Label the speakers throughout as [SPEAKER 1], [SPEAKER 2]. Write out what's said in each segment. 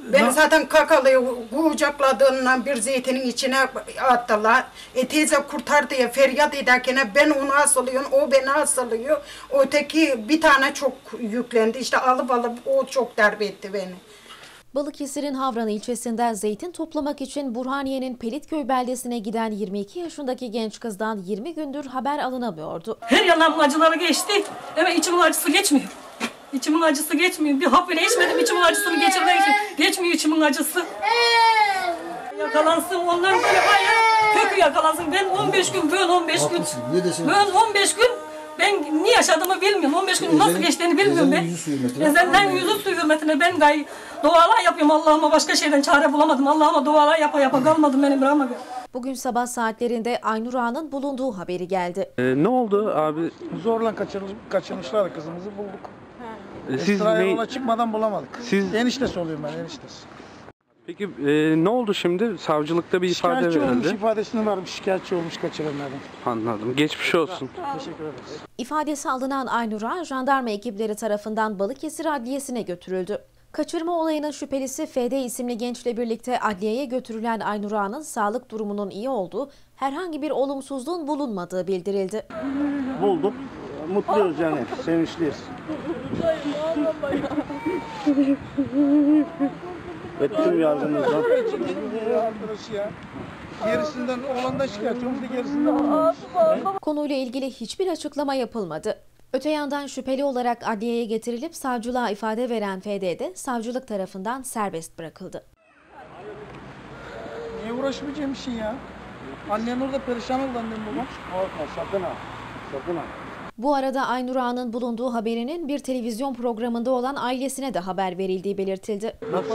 [SPEAKER 1] Beni zaten kakalayı kucakladığından bir zeytinin içine attılar. Teyze kurtar diye feryat ederken ben onu asılıyorum, o beni asılıyor. Öteki bir tane çok yüklendi. İşte alıp o çok darbe etti beni.
[SPEAKER 2] Balıkesir'in Havran ilçesinden zeytin toplamak için Burhaniye'nin Pelitköy beldesine giden 22 yaşındaki genç kızdan 20 gündür haber alınamıyordu.
[SPEAKER 3] Her yanımın acıları geçti ama içimin acısı geçmiyor. İçimin acısı geçmiyor. Bir hap bile içmedim, içimin acısını geçirmek için. Geçmiyor içimin acısı. Yakalansın, ondan böyle bayağı kökü yakalansın. Ben 15 gün, böyle 15 gün. Böyle 15 gün ben ne yaşadığımı bilmiyorum. 15 gün nasıl geçtiğini bilmiyorum ben. Ezelden yüzü suyu hürmetine ben gayet dualar yapıyorum Allah'ıma. Başka şeyden çare bulamadım. Allah'ıma dualar yapa kalmadım beni bırakmadı.
[SPEAKER 2] Bugün sabah saatlerinde Aynur Ağa'nın bulunduğu haberi geldi.
[SPEAKER 4] Ne oldu abi?
[SPEAKER 5] Zorla kaçırmışlar, kızımızı bulduk.
[SPEAKER 4] Siz
[SPEAKER 5] Yola çıkmadan bulamadık.
[SPEAKER 4] Siz...
[SPEAKER 5] Eniştesi oluyorum ben, eniştesi.
[SPEAKER 4] Peki ne oldu şimdi? Savcılıkta bir ifade verildi.
[SPEAKER 5] Şikayetçi olmuş, ifadesini vermiş, şikayetçi olmuş kaçıranlardan.
[SPEAKER 4] Anladım. Geçmiş olsun.
[SPEAKER 5] Teşekkür ederiz.
[SPEAKER 2] İfadesi alınan Aynur Ağa, jandarma ekipleri tarafından Balıkesir Adliyesi'ne götürüldü. Kaçırma olayının şüphelisi FD isimli gençle birlikte adliyeye götürülen Aynur Ağa'nın sağlık durumunun iyi olduğu, herhangi bir olumsuzluğun bulunmadığı bildirildi.
[SPEAKER 5] Bulduk. Mutluyuz yani, sevinçliyiz. Tüm yardımımızla. Arkadaşı ya. Gerisinden oğlandan şikayetçi olmuş, gerisinden olmamış.
[SPEAKER 2] Konuyla ilgili hiçbir açıklama yapılmadı. Öte yandan şüpheli olarak adliyeye getirilip savcılığa ifade veren FD de savcılık tarafından serbest bırakıldı.
[SPEAKER 5] Niye uğraşmayacağım işin ya? Annen orada perişan oldu, annem babam. Korkma, sakın ha. Sakın ha.
[SPEAKER 2] Bu arada Aynur Ağa'nın bulunduğu haberinin bir televizyon programında olan ailesine de haber verildiği belirtildi.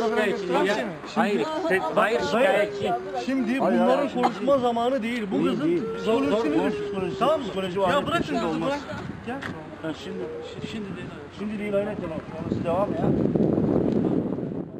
[SPEAKER 6] Hayır şikayetçi.
[SPEAKER 7] Şimdi bunların konuşma zamanı değil. Bu kızın psikolojisi. Tamam mı? Ya bırak şimdi kızı bırak. Gel. Şimdi değil. Şimdi değil aynen tamam. Devam ya.